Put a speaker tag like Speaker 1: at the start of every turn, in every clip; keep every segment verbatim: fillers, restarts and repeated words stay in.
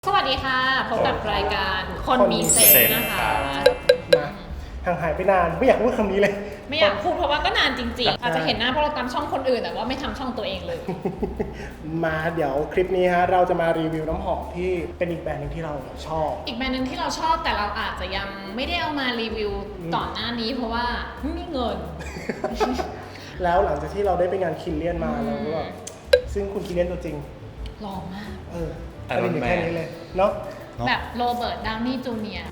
Speaker 1: สวัสดีค่ะพบกับรายการคนมีเซนส์นะคะ
Speaker 2: มาห่างหายไปนานไม่อยากพูดคำนี้เลย
Speaker 1: ไม่อยากพูดเพราะว่าก็นานจริงๆอาจจะเห็นหน้าเพราะเราตามช่องคนอื่นแต่ว่าไม่ทำช่องตัวเองเลย
Speaker 2: มาเดี๋ยวคลิปนี้ฮะเราจะมารีวิวน้ำหอมที่เป็นอีกแบรนด์นึงที่เราชอบ
Speaker 1: อีกแบรนด์นึงที่เราชอบแต่เราอาจจะยังไม่ได้เอามารีวิวต่อหน้านี้เพราะว่าไม่มีเงิน
Speaker 2: แล้วหลังจากที่เราได้ไปงานคินเลียนมาเราก็แบบซึ่งคุณคินเลียนตัวจริง
Speaker 1: หล่อมาก
Speaker 2: เอออันนี้แค่นี้เลยเนาะ
Speaker 1: แบบโรเบิร์ตดาวนี่จูเนียร์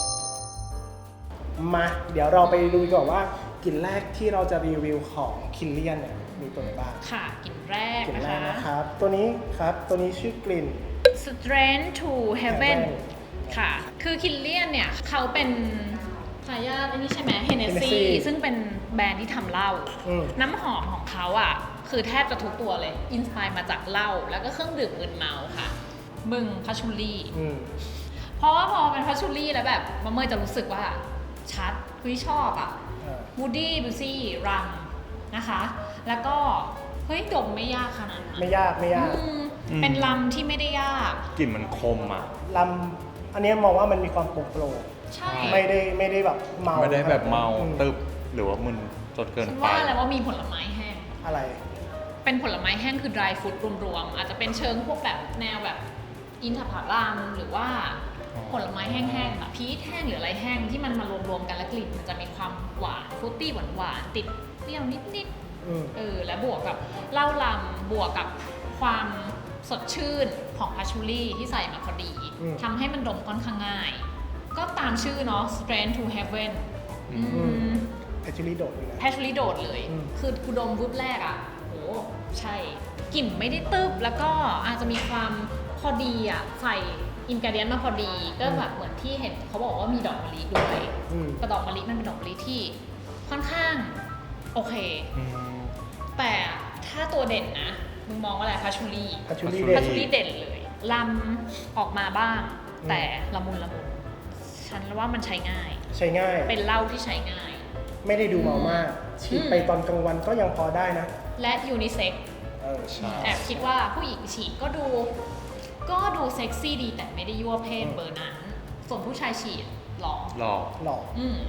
Speaker 2: มาเดี๋ยวเราไปดูก่อนว่ากลิ่นแรกที่เราจะรีวิวของคินเลียนเนี่ยมีตัวไหนบ้าง
Speaker 1: ค่ะกลิ่นแรก
Speaker 2: กลิ่น
Speaker 1: นะ
Speaker 2: แรก
Speaker 1: คะ
Speaker 2: นะครับตัวนี้ครับตัวนี้ชื่อกลิ่น
Speaker 1: Strength to Heaven ค่ะคือคินเลียนเนี่ยเขาเป็นทายาทอันนี้ใช่ไหม Hennessy ซึ่งเป็นแบรนด์ที่ทำเหล้าน้ำหอมของเขาอ่ะคือแทบจะทุกตัวเลยอินสไปร์มาจากเหล้าแล้วก็เครื่องดื่มมึนเมาค่ะมึงพัชชูรี่เพราะว่าพอเป็นพัชชูรี่แล้วแบบมะเมยจะรู้สึกว่าชัดคือชอบอ่ะวูดดี้บิวซี่รัมนะคะแล้วก็เฮ้ยดมไม่ยากขนาดนั้น
Speaker 2: ไม่ยากไม่ยาก
Speaker 1: เป็นลำที่ไม่ได้ยาก
Speaker 3: กลิ่นมันคมอ่ะ
Speaker 2: ลำอันนี้มองว่ามันมีความโปร่งโปร่ง
Speaker 1: ใช่
Speaker 2: ไม่ได้ไม่ได้แบบเมา
Speaker 3: ไม่ได้แบบเมาตึบหรือว่ามึนจนเกินไป
Speaker 1: ว่าอะไรว่ามีผลไม้แห้ง
Speaker 2: อะไร
Speaker 1: เป็นผลไม้แห้งคือ dry fruit รวมๆอาจจะเป็นเชิงพวกแบบแนวแบบอินทผลัมหรือว่าผลไม้แห้งๆแบบพีชแห้งหรืออะไรแห้งที่มันมารวมๆกันแล้วกลิ่นมันจะมีความหวานฟรุตตี้หวานๆติดเปรี้ยวนิดๆเออและบวกกับเหล้าลำบวกกับความสดชื่นของพัชชูรี่ที่ใส่มาพอดีทำให้มันดมค่อนข้างง่ายก็ตามชื่อเนาะ Strength to Heaven
Speaker 2: แพชชูรี่โดดเลยนะ
Speaker 1: แพชชูรี่โดดเลยคือกูดมวุ้บแรกอ่ะโหใช่กลิ่นไม่ได้ตึบแล้วก็อาจจะมีความพอดีอ่ะใส่อินกรีเดียนมาพอดีก็แบบเหมือนที่เห็นเขาบอกว่ามีดอกมะลิด้วยแต่ดอกมะลิมันเป็นดอกมะลิที่ค่อนข้างโอเคแต่ถ้าตัวเด่นนะมึงมองว่าอะไรพัชชูรี่
Speaker 2: พัชชูรี่
Speaker 1: พัชชูรี่เด่นเลยลำออกมาบ้างแต่ละมุนละมุนฉันว่ามันใช้ง่าย
Speaker 2: ใช้ง่าย
Speaker 1: เป็นเหล้าที่ใช้ง่าย
Speaker 2: ไม่ได้ดูเมามากฉีดไปตอนกลางวันก็ยังพอได้นะ
Speaker 1: และยูนิเซ็กแอบคิดว่าผู้หญิงฉีดก็ดูก็ดูเซ็กซี่ดีแต่ไม่ได้ยั่วเพศเบอร์นั้นส่วนผู้ชายฉีดหล่อ
Speaker 3: หล่อ
Speaker 2: หล่อ
Speaker 1: อืม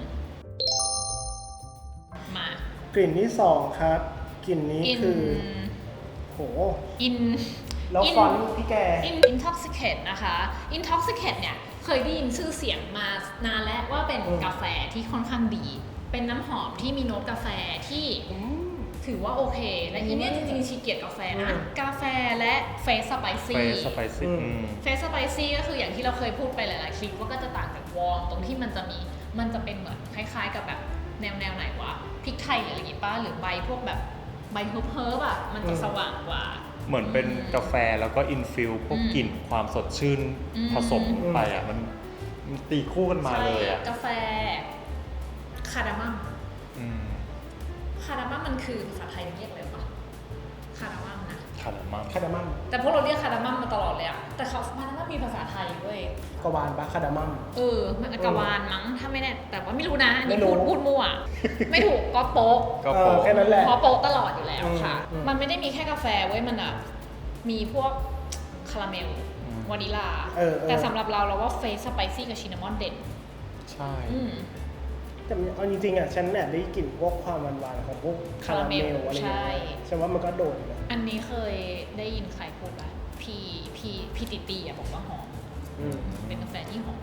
Speaker 1: ม
Speaker 2: ากลิ่นที่สองครับกลิ่นนี้คือโห
Speaker 1: อิน
Speaker 2: แล้วฟอนต์พี่แก
Speaker 1: Intoxicate นะคะ Intoxicate เนี่ยเคยได้ยินชื่อเสียงมานานแล้วว่าเป็นกาแฟที่ค่อนข้างดีเป็นน้ำหอมที่มีโน้ตกาแฟที่ถือว่าโอเคและอีเนี่ยจริงๆชีเกียรติกาแฟนะกาแฟและเฟสสไปซี่
Speaker 3: เฟสสไปซี่
Speaker 1: เฟสสไปซี่ก็คืออย่างที่เราเคยพูดไปหลายๆคลิปว่าก็จะต่างจากวอร์มตรงที่มันจะมีมันจะเป็นเหมือนคล้ายๆกับแบบแนวแนวไหนวะพริกไทยหรืออะไรอย่างงี้ป่ะหรือใบพวกแบบใบเฮิร์บเฮิร์บอ่ะมันจะสว่างกว่า
Speaker 3: เหมือนเป็นกาแฟแล้วก็อินฟิลพวกกลิ่นความสดชื่นผสมไปอ่ะมันตีคู่กันมาเลยอ่ะ
Speaker 1: กาแฟคาร์ดามัมคาร์ดามัมมันคือภาษาไทยเรียกอะไรวะคาร์ดามัมนะ
Speaker 3: คาร์ดามัม
Speaker 2: คาร์ดามัม
Speaker 1: แต่พวกเราเรียกคาร์ดามัมมาตลอดเลยอะแต่เขาคาร์ดามัมมีภาษาไทยด้วย
Speaker 2: กวานปะคาร์ดามัม
Speaker 1: เออมันกวานมั้งถ้าไม่แน่แต่ว่าไม่รู้นะนี่พูดพูดมั่วไม่ถูกก็โป๊ะ
Speaker 2: ก็โป๊ะแค่นั้นแหละ
Speaker 1: เพราะโป๊ะตลอดอยู่แล้วค่ะมันไม่ได้มีแค่กาแฟเว้ยมันอะมีพวกคาราเมลวานิลาแต่สำหรับเราเราว่าเฟสสไปซี่กับชินนามอนเด่น
Speaker 3: ใช่
Speaker 2: แต่เอาจริงๆอ่ะฉันแอบได้กลิ่นพวกความหวานๆของพวกคาราเมลอะไรอย่างเงี้ยฉันว่ามันก็โดดนะ
Speaker 1: อันนี้เคยได้ยินใครพูดว่าพี่พี่พี่ติตีอ่ะบอกว่าหอมเป็นกาแฟที่หอม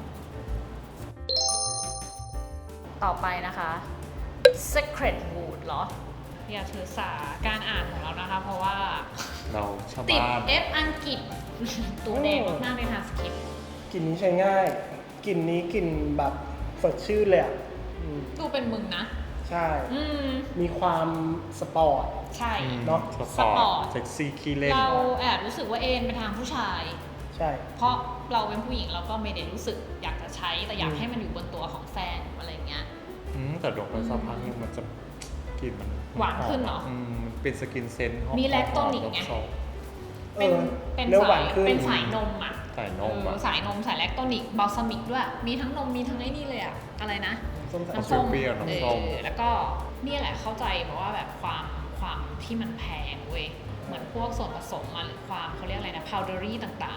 Speaker 1: ต่อไปนะคะ Secret Wood เหรออย่าถือสาการอ่านของเรานะคะเพราะว่า
Speaker 3: เราชอบ
Speaker 1: ติด F อังกฤษตัวแดงมากๆในทางสคริปต์
Speaker 2: กลิ่นนี้ใช้ง่ายกลิ่นนี้กลิ่นแบบสดชื่นเลยอ่ะ
Speaker 1: ดูเป็นมึงนะ
Speaker 2: ใช่มีความสปอร์ต
Speaker 1: ใช่
Speaker 2: เนาะ
Speaker 3: สปอร์ตเซ็กซี่ขี้เล่น
Speaker 1: เราแอบรู้สึกว่าเอ็นไปทางผู้ชาย
Speaker 2: ใช่
Speaker 1: เพราะเราเป็นผู้หญิงเราก็ไม่ได้รู้สึกอยากจะใช้แต่อยากให้มันอยู่บนตัวของแฟนอะไรเงี้ย
Speaker 3: แต่ดอกไม้สักพักนึงมันจะกลิ่นมัน
Speaker 1: หวานขึ้นเหรอ
Speaker 3: เป็นสกินเซนต์
Speaker 1: มีแลคโตนิกไงเป็นเป็นสายเป็นสายนมอ่ะ
Speaker 3: สายนมอ่ะ
Speaker 1: สายนมสายแลคโตนิกบัลซามิกด้วยมีทั้งนมมีทั้งไอ้นี่เลยอ่ะอะไรนะ
Speaker 3: น้ำส้มเปรี้ยวน้ำส้ม
Speaker 1: แล้วก็นี่แหละเข้าใจเพราะว่าแบบความความที่มันแพงเว้ยเหมือนพวกส่วนผสมมาหรือความเขาเรียกอะไรนะพาวเดอรี่ต่างๆอ่ะ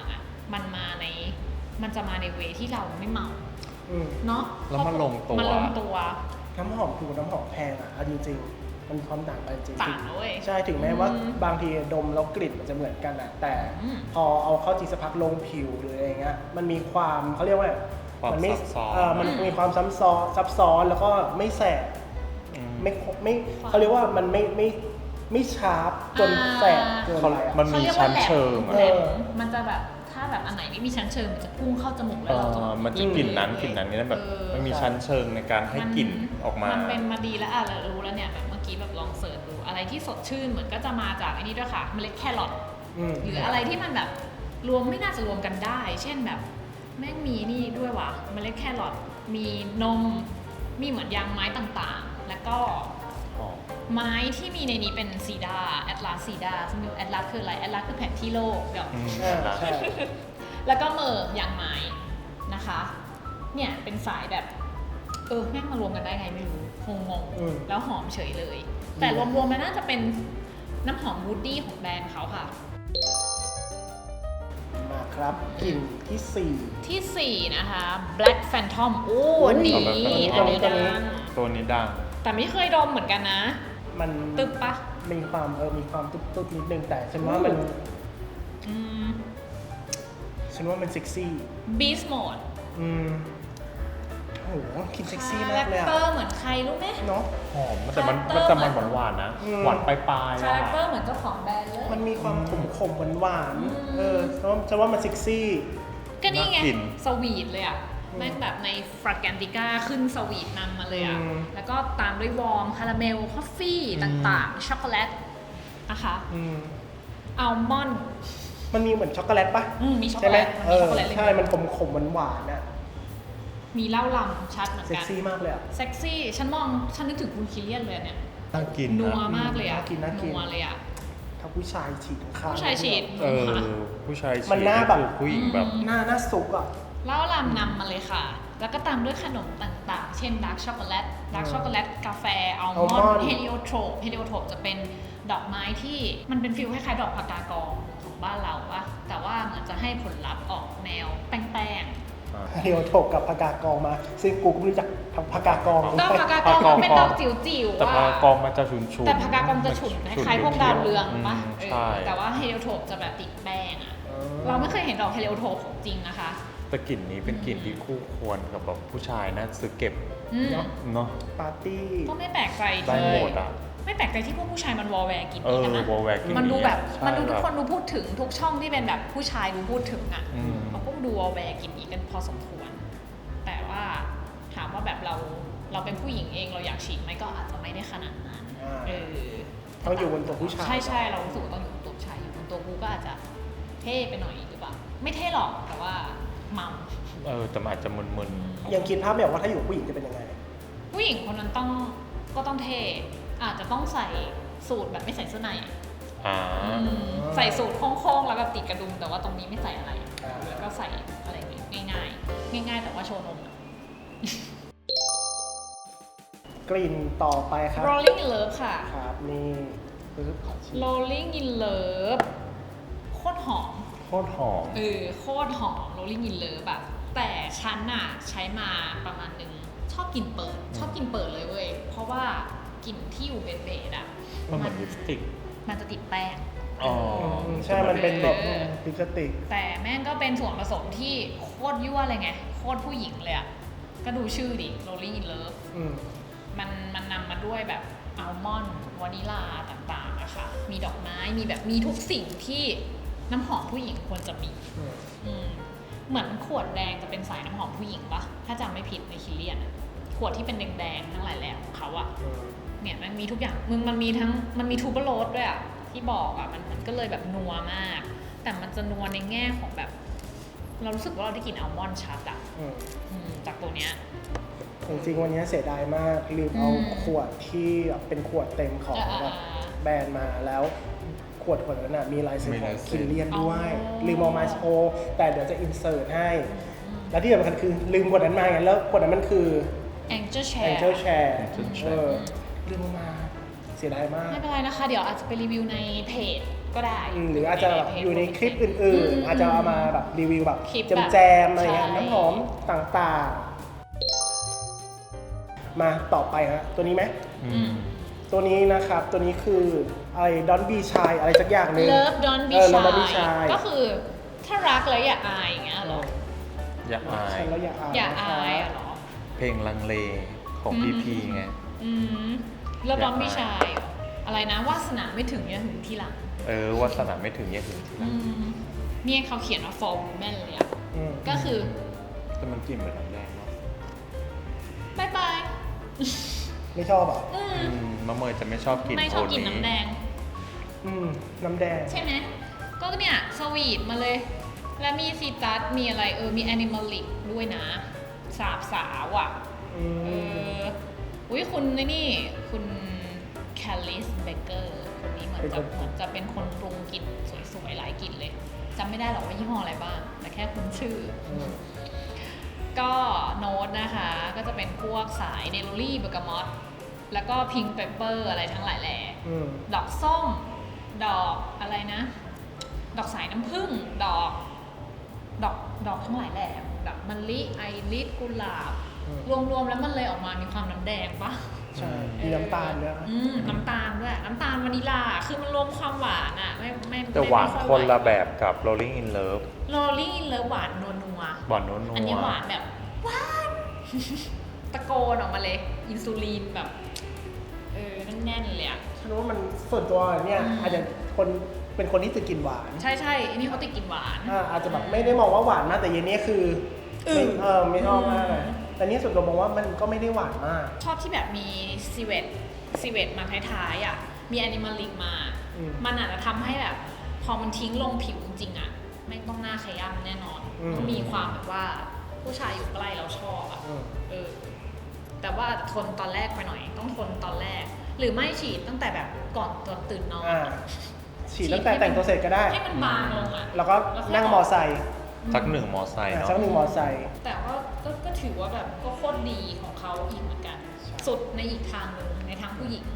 Speaker 1: มันมาในมันจะมาในเวที่เราไม่เมา
Speaker 2: อืม
Speaker 1: เนาะ
Speaker 3: แล้วมันลงตัว
Speaker 1: มันลงตัว
Speaker 2: น้ำหอมถูกน้ำหอมแพงอ่ะเอาจริงๆมันมีความต่างกันจริงๆ
Speaker 1: ต่างนะเว้ย
Speaker 2: ใช่ถึงแม้ว่า
Speaker 1: อืม
Speaker 2: บางทีดมแล้วกลิ่นมันจะเหมือนกันอ่ะแต่
Speaker 1: อืม
Speaker 2: พอเอาเข้าจริงสักพักลงผิวหรืออะไรเงี้ยมันมีความเขาเรียกว่า
Speaker 3: ความ
Speaker 2: มัไม่
Speaker 3: ซับซ้อน
Speaker 2: เออมันมีความซับซ้อนซับซ้อนแล้วก็ไม่แสบ
Speaker 3: อืม
Speaker 2: ไม่ไม่เขาเรียกว่ามันไม่ไม่ไม่ชาร์ปจนแสบเกิน
Speaker 3: เขา
Speaker 2: ไปอะ
Speaker 3: มันมีชั้นเชิง
Speaker 1: ขา
Speaker 3: อะ
Speaker 1: เรียกว่าแหลม
Speaker 2: เออ
Speaker 1: มันจะแบบถ้าแบบอันไหนไม่มีชั้นเชิงมันจะพุ่งเข้าจมูก
Speaker 3: เอ
Speaker 1: แล้วเราจะ
Speaker 3: อมันจะกลิ่นนั้นกลิ่นนั้นนี่แบบ
Speaker 1: เออ
Speaker 3: มันมีชั้นเชิงในการให้กลิ่นออกมา
Speaker 1: นเป็นมาดีแล้วอ่ะเรารู้แล้วเนี่ยแบบเมื่อกี้แบบลองเสิร์ชดูอะไรที่สดชื่นเหมือนก็จะมาจากไอ้นี่ด้วยค่ะเมล็ดแครอท
Speaker 2: อืม
Speaker 1: หรืออะไรที่มันแบบรวมไม่น่าจะรวมกันได้ เช่นแบบแม่งมีนี่ด้วยว่ะเมล็ดแครอทมีนมมีเหมือนยางไม้ต่างๆ แล้วก็ไม้ที่มีในนี้เป็นซีดาแอตลาสซีดาซึ่งแอตลาสคืออะไรแอตลาสคือแผนที่โลกเดี๋ยว
Speaker 3: อืม
Speaker 2: อ่าใช่
Speaker 1: แล้วก็เมอร์ยางไม้นะคะ เนี่ยเป็นสายแบบ เออแม่งมารวมกันได้ไงไม่รู้คงงง
Speaker 2: อืม
Speaker 1: แล้วหอมเฉยเลย แต่รวมๆมันน่าจะเป็นน้ำหอมวูดดี้ของแบรนด์เขาค่ะ
Speaker 2: มาครับกลิ่นที่สี่
Speaker 1: ที่ สี่ นะคะ Black Phantom โอ้อันนี้
Speaker 3: ตัวนี้
Speaker 1: อันนี้
Speaker 2: ตัว
Speaker 1: ดั
Speaker 2: นี้
Speaker 1: ง
Speaker 3: ตัวนี้ดัง
Speaker 1: แต่ไม่เคยดมเหมือนกันนะ
Speaker 2: มัน
Speaker 1: ตึบปะ
Speaker 2: มีความเออมีความตุ๊บตุ๊บนิดนึงแต่ฉันว่ามัน
Speaker 1: อืม
Speaker 2: ฉันว่ามันเซ็กซี่
Speaker 1: Beast Mode
Speaker 2: อืมโอ้โหกลิ่นเซ็กซี่มากเลย
Speaker 1: คา
Speaker 2: อะ
Speaker 1: แรคเตอร์เหมือนใครรู้ไหม
Speaker 2: เนาะ
Speaker 3: หอมแต่มัน
Speaker 1: คาแรคเตอร์
Speaker 3: แต่มันหวานๆนะ
Speaker 2: อืม
Speaker 3: หวานปลายๆ
Speaker 1: คา
Speaker 3: อะ
Speaker 1: แรคเตอร์เหมือนเจ้าของแบรนด์เลย
Speaker 2: มันมีความขมขมหวานหวาน
Speaker 1: อืม
Speaker 2: ๆเออฉันว่าฉันว่ามันเซ็กซี่
Speaker 1: ก็นี่ไง
Speaker 3: น่ากิน
Speaker 1: สวีทเลยอ่ะแม่งแบบในฟรากแกนติก้าขึ้นสวีทนำมาเลยอ่ะ
Speaker 2: อืม
Speaker 1: แล้วก็ตามด้วยวอร์มคาราเมลคอฟฟี่ต่างๆ ช็อกโกแลตนะคะ
Speaker 2: อืม
Speaker 1: อัลมอนด์
Speaker 2: มันมีเหมือนช็อกโกแลตปะ
Speaker 1: อืมมีช็อกโก
Speaker 2: ใช่ไห
Speaker 1: แล
Speaker 2: ม
Speaker 1: ต
Speaker 2: เอ
Speaker 1: มีช็
Speaker 2: อ
Speaker 1: อกโกแลตเลย
Speaker 2: ใช่มันขมขมหวานหวานๆอะ
Speaker 1: มีเหล้าลำชัดเหมือน
Speaker 2: เซ็ก
Speaker 1: กัน
Speaker 2: ซี่มากเลยอะ
Speaker 1: เซ็กซี่ ฉันมอง ฉันนึกถึงคุณคิเลียนเลยเนี่ย
Speaker 3: น่ากิน
Speaker 1: นัว
Speaker 3: นะ
Speaker 1: มากเลยอ่ะ
Speaker 2: น่ากินน่ากิน
Speaker 1: นัวเลยอ่ะ
Speaker 2: ถ้าผู้ชายฉีดข้างๆ
Speaker 1: ผู้ชายฉีด
Speaker 3: เออผู้ชายฉีด
Speaker 2: มันหน้าแบบ
Speaker 3: คือผู้หญิงแบบ
Speaker 2: หน้าหน้าสุกอะ
Speaker 1: เหล้าลำนำมาเลยค่ะ แล้วก็ตามด้วยขนมต่างๆ เช่นดาร์กช็อกโกแลต ดาร์กช็อกโกแลต กาแฟ อัลมอนด์ เฮลิโอโทรป เฮลิโอโทรปจะเป็นดอกไม้ที่มันเป็นฟิลคล้ายๆดอกพากากองของบ้านเราปะแต่ว่าเหมือนจะให้ผลลัพธ์ออกแนวแป้ง
Speaker 2: เดียวถกกับพากากองมา ซึ่งกูก็ไม่รู้จักพากากอง
Speaker 1: ๆดอกพากากองมันเป็นดอกจิ๋วๆ
Speaker 3: แต่พา
Speaker 1: ว่ะ
Speaker 3: กองมันจะฉุนๆ
Speaker 1: แต่พากากองจะฉุนคล้ายๆพวกดาวเรืองปะ
Speaker 3: ม
Speaker 1: เอ
Speaker 3: ใช่
Speaker 1: อแต่ว่าเฮลิโอโทรปจะแบบติดแป้งอะเราไม่เคยเห็นดอกเฮลิโอโทรปของจริงนะคะ
Speaker 3: แต่กลิ่นนี้เป็นกลิ่นที่คู่ควรกับแบบผู้ชายนะซื้อเก็บ
Speaker 1: อืม
Speaker 3: เนาะ
Speaker 2: ปาร์ตี้
Speaker 1: ก็ไม่แปลกใจ
Speaker 3: ได้
Speaker 1: ที่
Speaker 3: หมดอ่ะ
Speaker 1: ไม่แปลกใจที่พวกผู้ชายมันวอลแวร์กิน
Speaker 3: เอ
Speaker 1: นี้
Speaker 3: อ
Speaker 1: กันนะ
Speaker 3: วอลแวร์กลิ่น
Speaker 1: มันดูแบบ
Speaker 3: ใช่
Speaker 1: มันดูทุกคน
Speaker 3: แบบ
Speaker 1: ดูพูดถึงทุกช่องที่เป็นแบบผู้ชายดูพูดถึงอ่ะ
Speaker 3: อืม
Speaker 1: เขาก็ดูวอลแวร์กินนี้กันพอสมควร แต่ว่าถามว่าแบบเราเราเป็นผู้หญิงเองเราอยากฉีดไหมก็อาจจะไม่ได้ขนาดนั้น
Speaker 2: อ่า
Speaker 1: เออ
Speaker 2: ต้องอยู่บนตัวผู้ชาย
Speaker 1: ใช่ใช่เรารู้สึกว่าต้องอยู่บนตัวผู้ชายอยู่บนตัวกูก็อาจจะเท่ไปหน่อยหรือเปล่าไม่เท่หรอกแต่ว่าเมา
Speaker 3: เออแต่มันอาจจะมึน
Speaker 2: ยังคิดภาพไม่ออกว่าถ้าอยู่กับผู้หญิงจะเป็นยังไง
Speaker 1: ผู้หญิงคนนั้นต้องก็ต้องเท่อาจจะต้องใส่สูทแบบไม่ใส่เสื้อในอะ
Speaker 3: ๆอ่า
Speaker 1: อืมใส่สูทโค้งๆแล้วก็ติดกระดุมแต่ว่าตรงนี้ไม่ใส่อะไร
Speaker 2: อ่า
Speaker 1: แล้วก็ใส่อะไรง่ายๆ ง่ายๆ แต่ว่าโชว์นมอะ
Speaker 2: กลิ่นต่อไปครับ
Speaker 1: Rolling in Love ค่ะ
Speaker 2: ครับนี่ปึ๊บขอชิม
Speaker 1: Rolling in Love โคตรหอม
Speaker 3: โคตรหอม
Speaker 1: เออโคตรหอม Rolling in Love แบบแต่ฉันน่ะใช้มาประมาณนึงชอบกลิ่นเปิด ชอบกลิ่นเปิดเลยเว้ย เพราะว่ากลิ่นที่อยู่เบสๆอ่ะ
Speaker 3: มันเหมือนลิปสติก
Speaker 1: มันจะติดแป้ง
Speaker 3: อ๋อ
Speaker 2: อืมใช่ มันเป็นแบบ
Speaker 1: เออ
Speaker 2: ลิปสติก
Speaker 1: แต่แม่งก็เป็นส่วนผสมที่โคตรยั่วเลยไง โคตรผู้หญิงเลยอ่ะ ก็ดูชื่อดิ Rolling in Love
Speaker 2: อืม
Speaker 1: มันมันนำมาด้วยแบบอัลมอนด์วานิลาต่างๆนะคะมีดอกไม้มีแบบมีทุกสิ่งที่น้ำหอมผู้หญิงควรจะมี
Speaker 2: อืม
Speaker 1: อืมเหมือนขวดแดงจะเป็นสายน้ำหอมผู้หญิงปะถ้าจำไม่ผิดในคิเลียนอะขวดที่เป็นแดงๆทั้งหลายแหล่ของเขาอะ
Speaker 2: อืม
Speaker 1: เนี่ยมันมีทุกอย่างมึงมันมีทั้งมันมีทูเบอร์โรสด้วยอะที่บอกอะมันมันก็เลยแบบนัวมาก แต่มันจะนัวในแง่ของแบบ เรารู้สึกว่าเราได้กลิ่นอัลมอนด์ชัดอะ
Speaker 2: อืม
Speaker 1: อืมจากตัวเนี้ย
Speaker 2: จริงๆวันนี้เสียดายมากลืมเอา
Speaker 1: อืม
Speaker 2: ขวดที่แบบเป็นขวดเต็มของ
Speaker 1: อ่า
Speaker 2: แบบแบรนด์มาแล้วขวดขวดนั้นน่ะมีลายเซ็น
Speaker 3: มี
Speaker 2: ขอ
Speaker 3: ลาง ยเซ็น
Speaker 2: คินเลียนด้วย
Speaker 1: อ๋อ
Speaker 2: ลืมเอามาโชว์แต่เดี๋ยวจะอินเสิร์ตให้ และที่สำคัญคือลืมขวดนั้นมาไงแล้วขวดนั้นมันคือ
Speaker 1: Angel Share
Speaker 2: Angel Share
Speaker 3: Angel
Speaker 2: เอ
Speaker 3: Share
Speaker 2: อลืมเอามาเสียดายมาก
Speaker 1: ไม่เป็นไรนะคะ เดี๋ยวอาจจะไปรีวิวในเพจก็ได้
Speaker 2: อืมหรืออาจจะแบบอยู่ในคลิปอื่น
Speaker 1: อืม
Speaker 2: ๆ อาจจะเอามาแบบรีวิวแบบ
Speaker 1: คลิปแบบ
Speaker 2: แจมๆอะไรเงี้ย
Speaker 1: ใช่
Speaker 2: น้ำหอมต่างๆ มาต่อไปฮะตัวนี้ไหม
Speaker 3: อืม
Speaker 2: ตัวนี้นะครับตัวนี้คืออะไรดอนบีชายอะไรสักอย่างหนึง
Speaker 1: เลิฟดอนบี
Speaker 2: เออ Don't Be
Speaker 1: ชาย
Speaker 2: Shy
Speaker 1: ก็คือถ้ารักแล้วอย่าอายอย่างเงี้ยเหรอ
Speaker 3: อย่าอาย
Speaker 2: ฉันแล้วอย่าอาย
Speaker 1: อย่า
Speaker 2: นะค
Speaker 1: อา
Speaker 2: รับ
Speaker 1: ยอะเหรอ
Speaker 3: เพลงลังเลของ
Speaker 1: อืม
Speaker 3: พีพีไง
Speaker 1: อืมแล้ว
Speaker 3: อย่า
Speaker 1: ดอนบี
Speaker 3: อาย
Speaker 1: ชายเหรออะไรนะวาสนาไม่ถึงอย่าถึงทีหลัง
Speaker 3: เออวาสนาไม่ถึงอย่าถึงทีหลั
Speaker 1: อื
Speaker 3: ง
Speaker 1: มเนี่ยเขาเขียนว่า for women เลยอะ
Speaker 2: อืม
Speaker 1: ก็คือ
Speaker 3: แต่มันกลิ่นเหมือนน้ำแดงเนาะ
Speaker 1: บายบาย
Speaker 2: ไม่ชอบเหรอ่ะ
Speaker 1: อืม
Speaker 3: อืมมะเมยจะไม่ชอบกลิ่น
Speaker 1: ไม่ช
Speaker 3: โท
Speaker 1: อบ
Speaker 3: น
Speaker 1: กิน
Speaker 3: นี้
Speaker 1: น้ำแดง
Speaker 2: อืมน้ำแดง
Speaker 1: ใช่ไหม ก็เนี่ยสวีทมาเลย แล้วมีซีตัสมีอะไรเออ มีแอนิมอลิกด้วยนะ สาบสาวอ่ะ
Speaker 2: อื
Speaker 1: เอ
Speaker 2: ม
Speaker 1: อ อุ้ยคุณนี่นี่ คุณแคลลิสเบเกอร์คนนี้เหมือน
Speaker 2: เป็น
Speaker 1: จะ
Speaker 2: คน
Speaker 1: เหมือนจะเป็นคนปรุงกลิ่นสวยๆ หลายกลิ่นเลยจำไม่ได้หรอกว่ายี่ห้ออะไรบ้าง แต่แค่คุณชื่อ
Speaker 2: อืม
Speaker 1: ก็โน้ตนะคะ ก็จะเป็นพวกสายเนโรลี่เบอร์กามอตแล้วก็พิงค์เปเปอร์อะไรทั้งหลายแหล่
Speaker 2: อืม
Speaker 1: ดอกส้ม ดอกอะไรนะ ดอกสายน้ำผึ้ง ดอก ดอก ดอกทั้งหลายแหล่ดอกมะลิไอริสกุหลาบ
Speaker 2: อืม
Speaker 1: รวมๆแล้วมันเลยออกมามีความน้ำแดงปะ
Speaker 2: ใช่มีน้ำตาลด้วย
Speaker 1: อืมน้ำตาลด้วย น้ำตาลวานิลา คือมันรวมความหวานอะไม่ไม่
Speaker 3: แต่หวานคนละแบบกับ Rolling in Love
Speaker 1: โรลลิ่งเลิฟหวานนัวนัว
Speaker 3: หวานนัวๆ
Speaker 1: อันนี้หวานแบบหวาน ตะโกนออกมาเลย อินซูลินแบบ เออแน่นๆเลยอะ
Speaker 2: ฉันว่ามันส่วนตัวเนี่ย
Speaker 1: อืม
Speaker 2: อาจจะคนเป็นคนที่ติดกินหวาน
Speaker 1: ใช่ใช่อันนี้เขาติดกินหวาน
Speaker 2: อ่าอาจจะแบบไม่ได้มองว่าหวานมากแต่เย็นนี้คือ
Speaker 1: อื
Speaker 2: ไม่
Speaker 1: ม
Speaker 2: เออไม่ชอบมากเลย
Speaker 1: อืม
Speaker 2: แต่นี่ส่วนตัวมองว่ามันก็ไม่ได้หวานมาก
Speaker 1: ชอบที่แบบมีซีเวตซีเวตมาท้ายๆอ่ะ มีแอนิมอลิกมา
Speaker 2: อืม
Speaker 1: มันอาจจะทำให้แบบ พอมันทิ้งลงผิวจริงๆอ่ะแม่งต้องหน้าขย้ำแน่นอน
Speaker 2: อืม
Speaker 1: ต้องมีความแบบว่าผู้ชายอยู่ใกล้เราชอบอ่ะ
Speaker 2: อืม
Speaker 1: เออ แต่ว่าทนตอนแรกไปหน่อย ต้องทนตอนแรก หรือไม่ฉีดตั้งแต่แบบก่อนตอนตื่นนอน
Speaker 2: อ่าฉีดตั้งแต่แต่งตัวเสร็จก็ได้
Speaker 1: ให้มันบางลงอ่ะ
Speaker 2: แล้วก็นั่งมอไซค์
Speaker 3: สักหนึ่งมอไซค์
Speaker 2: อ่า
Speaker 3: เนาะ
Speaker 2: สักหนึ่งมอไซค์
Speaker 1: แต่ว่าก็ก็ถือว่าแบบก็โคตรดีของเขาอีกเหมือนกัน สุดในอีกทางหนึ่งในทางผู้หญิง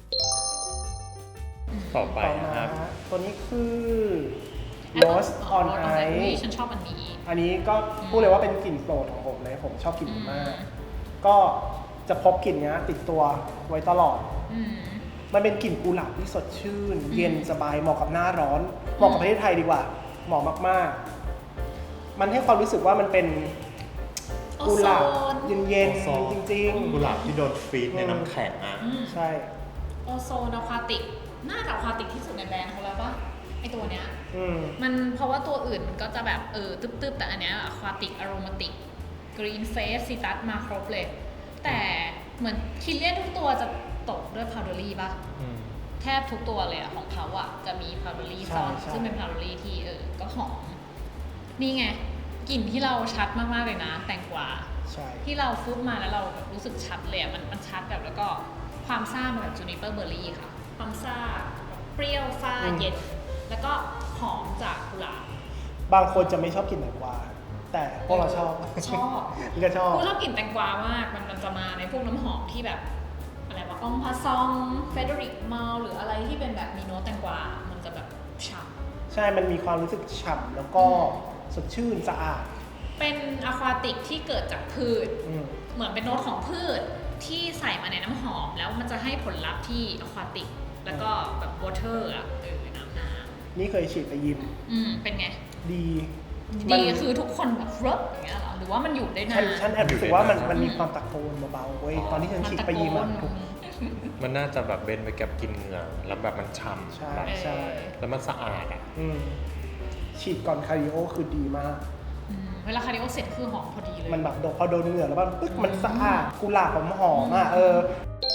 Speaker 3: ต่อไป
Speaker 2: ต่อ
Speaker 3: นะ
Speaker 2: มา
Speaker 3: ครับ
Speaker 2: ตัวนี้คือ
Speaker 1: Apple
Speaker 2: Rose on
Speaker 1: Rose on
Speaker 2: Ice
Speaker 1: Ice ฉันชอบอันนี้
Speaker 2: อันนี้ก็พูดเลยว่าเป็นกลิ่นโปรดของผมเลย ผมชอบกลิ่นนี้มาก
Speaker 1: อืม
Speaker 2: ก็จะพกกลิ่นเนี้ยติดตัวไว้ตลอด
Speaker 1: อืม
Speaker 2: มันเป็นกลิ่นกุหลาบที่สดชื่น เย็นสบายเหมาะกับหน้าร้อน เหมาะกับประเทศไทยดีกว่า เหมาะมากๆ มันให้ความรู้สึกว่ามันเป็นกุหลาบ
Speaker 1: โอโซน
Speaker 2: เย็น
Speaker 3: โอโซน
Speaker 2: ๆจริง
Speaker 3: กุหลาบที่โดนฟรีซในน้ำแข็งอ่ะ
Speaker 1: อืม
Speaker 2: ๆ ใช่
Speaker 1: โอโซนอะควาติก น่าจะอะควาติกที่สุดในแบรนด์เขาแล้วปะไอตัวเนี้ย
Speaker 2: อืม
Speaker 1: มันเพราะว่าตัวอื่นมันก็จะแบบเออตึ๊บๆ แต่อันเนี้ยอะควาติกอโรมาติกกรีนเฟสซิตัสมาครบเลย แต่เหมือนคิลเลียนทุกตัวจะตกด้วยพาวเดอรี่ปะ
Speaker 3: อืม
Speaker 1: แทบทุกตัวเลยอะของเขาอะจะมีพาวเดอรี่
Speaker 2: ใช่
Speaker 1: ซ่อน
Speaker 2: ใช่
Speaker 1: ซึ่งเป็นพาวเดอรี่ที่เออก็หอม นี่ไงกลิ่นที่เราชัดมากๆเลยนะ แตงกวา
Speaker 2: ใช่
Speaker 1: ที่เราฟุบมาแล้วเราแบบรู้สึกชัดเลยอะมันมันชัดแบบแล้วก็ความซ่ามาแบบจูนิเปอร์เบอร์รี่ค่ะ ความซ่าแบบเปรี้ยวฟ้าเย็น แล้วก็หอมจากกุหลาบบ
Speaker 2: างคนจะไม่ชอบกลิ่นแตงกวาแต่พวกเราชอบ
Speaker 1: ชอบ
Speaker 2: นี่ก็ชอบ
Speaker 1: กูชอบกลิ่นแตงกวามาก มันมันจะมาในพวกน้ำหอมที่แบบอะไรวะองพาซองเฟเดริกมาลหรืออะไรที่เป็นแบบมีโน้ตแตงกวา มันจะแบบฉ่ำ
Speaker 2: ใช่ มันมีความรู้สึกฉ่ำแล้วก็
Speaker 1: อืม
Speaker 2: สดชื่นสะอาด
Speaker 1: เป็นอะควาติกที่เกิดจากพืช
Speaker 2: อืม
Speaker 1: เหมือนเป็นโน้ตของพืชที่ใส่มาในน้ำหอม แล้วมันจะให้ผลลัพธ์ที่อะควาติก แล้วก็แบบวอเตอร์อะเออน้ำน้
Speaker 2: นี่เคยฉีดไปยิม
Speaker 1: ำอืมเป็นไง
Speaker 2: ดี
Speaker 1: ดีคือทุกคนแบบรบอย่างเงี้ยเหรอ หรือว่ามันอยู่ได้นา
Speaker 2: ฉัน
Speaker 1: น
Speaker 2: ฉันแอบรู้สึกว่ามัน
Speaker 3: อยู่ได้นาน
Speaker 2: มันมีความตะโกนเบาๆเว้ยตอนที่ฉันฉีดไปยิมอะ
Speaker 1: นตะโกน
Speaker 2: ถูก
Speaker 3: มันน่าจะแบบเบนไปกับกินเหงื่อแล้วแบบมันฉ่
Speaker 2: ใช่
Speaker 3: ำแบบ
Speaker 2: ใช่
Speaker 3: แล้วมันสะอาดอ่ะ
Speaker 2: อืมฉีดก่อนคาร์ดิโอคือดีมาก
Speaker 1: อืมเวลาคาร์ดิโอเสร็จคือหอมพอดีเลย
Speaker 2: มันแบบโดนพอโดนเหงื่อแล้วมันปึ๊กมันสะอาดกุหลาบหอมหอมๆอ่ะเออ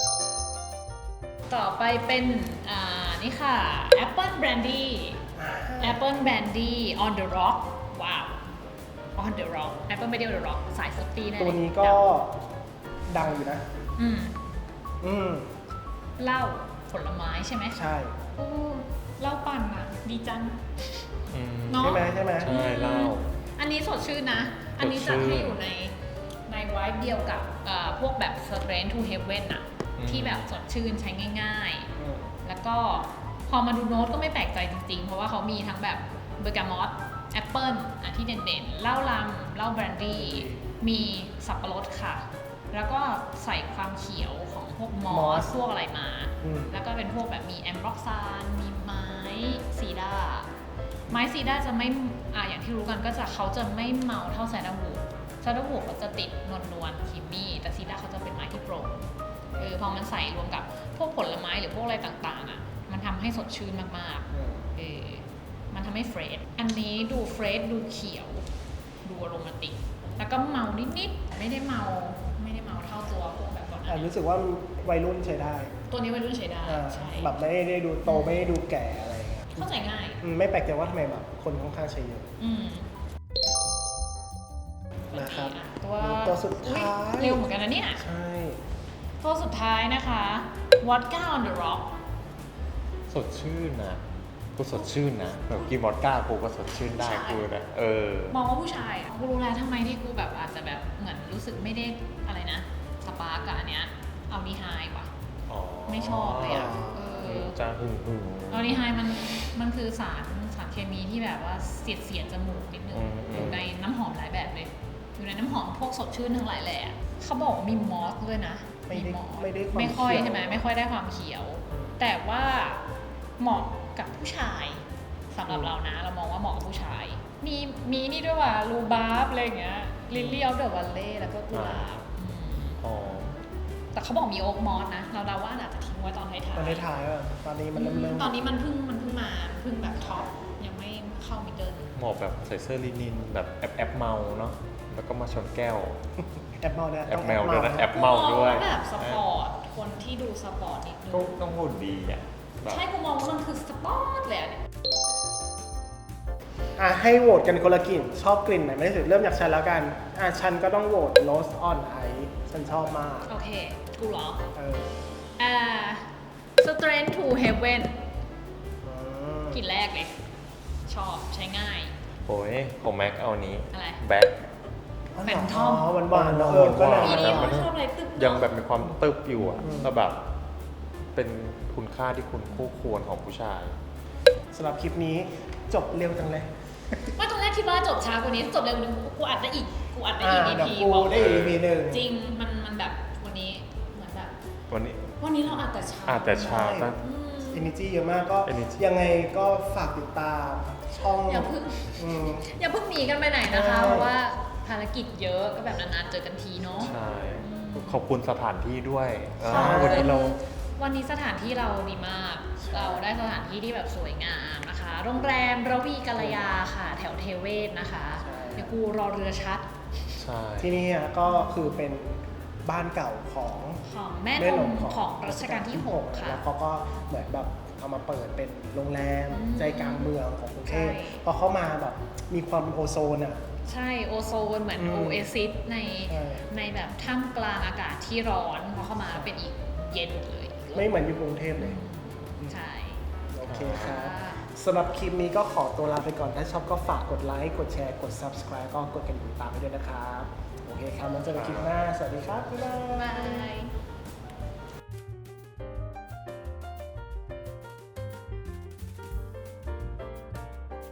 Speaker 1: ต่อไปเป็นอ่านี่ค่ะ Apple Brandy Apple Brandy on the rock ว้าว on the rock Apple Brandy on the rock สายฟรุตตี้แน่เลย
Speaker 2: ตัวนี้ก็ดังอยู่นะ
Speaker 1: อืม
Speaker 2: อืม
Speaker 1: เหล้าผลไม้ใช่ไหม
Speaker 2: ใช่
Speaker 1: โอ้เหล้าปั่นอ่ะ ดีจัง
Speaker 3: อืม
Speaker 1: เนาะ
Speaker 2: ใช่ไหมใช่ไหม
Speaker 3: ใช่เหล้า
Speaker 1: อันนี้สดชื่นนะ อันนี้จะให้อยู่ในในไวท์เดียวกับเอ่อพวกแบบ Straight to Heaven อะ
Speaker 3: อืม
Speaker 1: ที่แบบสดชื่นใช้ง่าย
Speaker 2: อืม
Speaker 1: ๆ แล้วก็พอมาดูโน้ตก็ไม่แปลกใจจริงๆ เพราะว่าเขามีทั้งแบบเบอร์กามอตแอปเปิลอ่ะที่เด่นๆเหล้าลำเหล้าแบรนดี้มีสับปะรดค่ะ แล้วก็ใส่ความเขียวของพวกมอสพวกอะไรมา แล้วก็เป็นพวกแบบมีแอมบล็อกซานมีไม้ซีดาไม้ซีดาจะไม่อ่ะอย่างที่รู้กันก็จะเขาจะไม่เมาเท่าไซดาวูดไซดาวูดเขาจะติดนวลนวลครีมมี่แต่ซีดาเขาจะเป็นไม้ที่โปร่งเออพอมันใส่รวมกับพวกผลไม้หรือพวกอะไรต่างๆอ่ะมันทำให้สดชื่นมากๆเออมันทำให้เฟรชอันนี้ดูเฟรชดูเขียวดูโรแมนติกแล้วก็เมานิดๆไม่ได้เมาไม่ได้เมาเท่าตัวพวกแบบก่อนหน้า
Speaker 2: อ่ะ
Speaker 1: นี้
Speaker 2: รู้สึกว่าวัยรุ่นใช้ได้
Speaker 1: ตัวนี้วัยรุ่นใช้ได้
Speaker 2: อ่า
Speaker 1: ใช่
Speaker 2: แบบไม่ได้ดูโตไม่ได้ดูแก่อะไรอย่างเงี้ย
Speaker 1: เข้าใจง่าย
Speaker 2: อืมไม่แปลกใจว่าทำไมแบบคนค่อนข้างใช้เยอะ
Speaker 1: อืม
Speaker 2: นะครับ
Speaker 1: อ่ะตัว
Speaker 2: ตัวสุดท้าย
Speaker 1: อุ๊เร็วเหมือนกันนะเนี่ย
Speaker 2: ใช่
Speaker 1: ตัวสุดท้ายนะคะ Vodka on the Rock
Speaker 3: สดชื่นนะกูสดชื่นนะแบบกินวอดก้ากูก็สดชื่นได้
Speaker 1: ใช่
Speaker 3: กูนะเออ
Speaker 1: มองว่าผู้ชายอ่ะกูรู้แล้วทำไมที่กูแบบอาจจะแบบเหมือนรู้สึกไม่ได้อะไรนะ สปาร์กกับอันเนี้ยเอาดีไฮว่ะ
Speaker 3: อ๋อ
Speaker 1: ไม่ชอบเลยอ่ะเออ
Speaker 3: จะหึงหึง
Speaker 1: เอาดีไฮมันมันคือสารสารเคมีที่แบบว่าเสียดเสียดจมูกนิดนึง
Speaker 3: อืมอืม
Speaker 1: อยู่ในน้ำหอมหลายแบบเลย อยู่ในน้ำหอมพวกสดชื่นทั้งหลายแหละเขาบอกว่ามีมอสด้วยนะ
Speaker 2: ไม่ได้
Speaker 1: มอส
Speaker 2: ไม่ได้ความ
Speaker 1: ไม่ค่อย
Speaker 2: เขียว
Speaker 1: ใช่ไหมไม่ค่อยได้ความเขียว แต่ว่าเหมาะกับผู้ชายสำหรับเรานะ เรามองว่าเหมาะกับผู้ชาย มีมีนี่ด้วยว่ะรูบาร์บอะไรอย่างเงี้ยลิลลี่ออฟเดอะวัลเล่แล้วก็กุหลาบอืม
Speaker 3: อ๋อ
Speaker 1: แต่เขาบอกมีโอ๊กมอสนะ เราเดาว่าอาจจะทิ้งไว้ตอนท้ายๆ
Speaker 2: ตอนท้ายๆอ่ะตอนนี้มันเริ่มเริ่ม
Speaker 1: ตอนนี้มันเพิ่งมันเพิ่งมาเพิ่งแบบท็อปยังไม่เข้ามิดเดิล
Speaker 3: เหมาะแบบใส่เสื้อลินินแบบแอบแอบเมาเนาะแล้วก็มาชนแก้ว
Speaker 2: แอปเมาเนี่ย
Speaker 3: แอป
Speaker 2: ต้อง
Speaker 3: แมวด้วยนะแอป
Speaker 1: กู
Speaker 3: เมา
Speaker 1: อง
Speaker 3: ด้วย
Speaker 1: แบบสปอร์ตคนที่ดูสปอร์ตนิดนึง
Speaker 3: ก็ต้องหุ่นดีอ่ะแบบ
Speaker 1: ใช่กูมองว่ามันคือสปอร์ตเลยอะเนี่ย
Speaker 2: อ่ะให้โหวตกันคนละกลิ่น ชอบกลิ่นไหนไม่ได้สุดเริ่มจากฉันแล้วกันอ่ะฉันก็ต้องโหวต Rose on Ice ฉันชอบมาก
Speaker 1: โอเค กูเหรอ
Speaker 2: เออ
Speaker 1: อ่า Strength to Heaven
Speaker 2: อืม
Speaker 1: กลิ่นแรกเลย ชอบใช้ง่าย
Speaker 3: โอ้ยของแม็กเอานี้
Speaker 1: อะไร
Speaker 3: แบ็ค
Speaker 1: แฟนทอม
Speaker 2: อ๋อหวานๆเนอะเออก็
Speaker 3: หวา
Speaker 2: น่า
Speaker 1: ปี
Speaker 3: ๆ
Speaker 1: นี้
Speaker 3: มั
Speaker 1: เขา
Speaker 3: น
Speaker 1: ชอบอะไรตึ๊บ
Speaker 3: ยังแบบมีความตึบอยู่อ่ะ
Speaker 2: อืม
Speaker 3: แล้วแบบ เป็นคุณค่าที่คุณคู่ควรของผู้ชาย
Speaker 2: สำหรับคลิปนี้จบเร็วจังเลย
Speaker 1: ว่าตอนแรกคิดว่าจบช้ากว่านี้จบเร็วกว่านี้กูอัดได้อีก กูอัดได้อีก
Speaker 2: อ่า
Speaker 1: อี
Speaker 2: เดี๋ยว
Speaker 1: พี
Speaker 2: กูได้อีก อี พี หนึ่ง
Speaker 1: จริง มันมันแบบวันนี้เหมือนแบบ
Speaker 3: วันนี้
Speaker 1: วันนี้เราอัดแต่เช้า
Speaker 3: อาจแต่เช้า
Speaker 2: ใช่
Speaker 3: ตั้ง
Speaker 1: อืม
Speaker 2: Energy เยอะมากก็
Speaker 3: Energy
Speaker 2: ยังไงก็ฝากติดตามช่อง
Speaker 1: อย่าเพิ่ง
Speaker 2: อืม
Speaker 1: อย่าเพิ่งหนีกันไปไหนนะคะ
Speaker 2: ใช่
Speaker 1: เพราะว่าภารกิจเยอะก็แบบนานๆเจอกันทีเนาะ
Speaker 3: ใช่ ขอบคุณสถานที่ด้วย
Speaker 1: ใช่
Speaker 3: อ่าวันนี้เรา
Speaker 1: วันนี้สถานที่เราดีมาก เราได้สถานที่ที่แบบสวยงามนะคะ โรงแรมระวีกัลยาค่ะ แถวเทเวศนะคะ
Speaker 2: ใช่
Speaker 1: เดี๋ยวกูรอเรือชัด
Speaker 3: ใช่
Speaker 2: ที่นี่อ่ะก็คือเป็นบ้านเก่าของ
Speaker 1: ของแม่นมของรัชกาลที่หกค่ะ
Speaker 2: แล้วเขาก็เหมือนแบบเอามาเปิดเป็นโรงแรม
Speaker 1: อืม
Speaker 2: ใจกลางเมืองของกรุงเทพ
Speaker 1: ใช่
Speaker 2: พอเข้ามาแบบมีความเป็นโอโซนอ่ะ
Speaker 1: ใช่โอโซนเหมือน
Speaker 2: อืม
Speaker 1: โอเอซิสใน
Speaker 2: ใช่
Speaker 1: ในแบบท่ามกลางอากาศที่ร้อนพอเข้ามาเป็นอีกเย็นเลย
Speaker 2: ไม่เหมือนอยู่กรุงเทพเลย
Speaker 1: ใช่
Speaker 2: โอเคครับ
Speaker 1: ค่ะ
Speaker 2: สำหรับคลิปนี้ก็ขอตัวลาไปก่อน ถ้าชอบก็ฝากกดไลค์ กดแชร์ กด subscribe ก็กดกระดิ่งตามไปด้วยนะครับ โอเคครับแล้วเจอกันคลิปหน้า สวัสดีครับ บ๊ายบาย
Speaker 1: บาย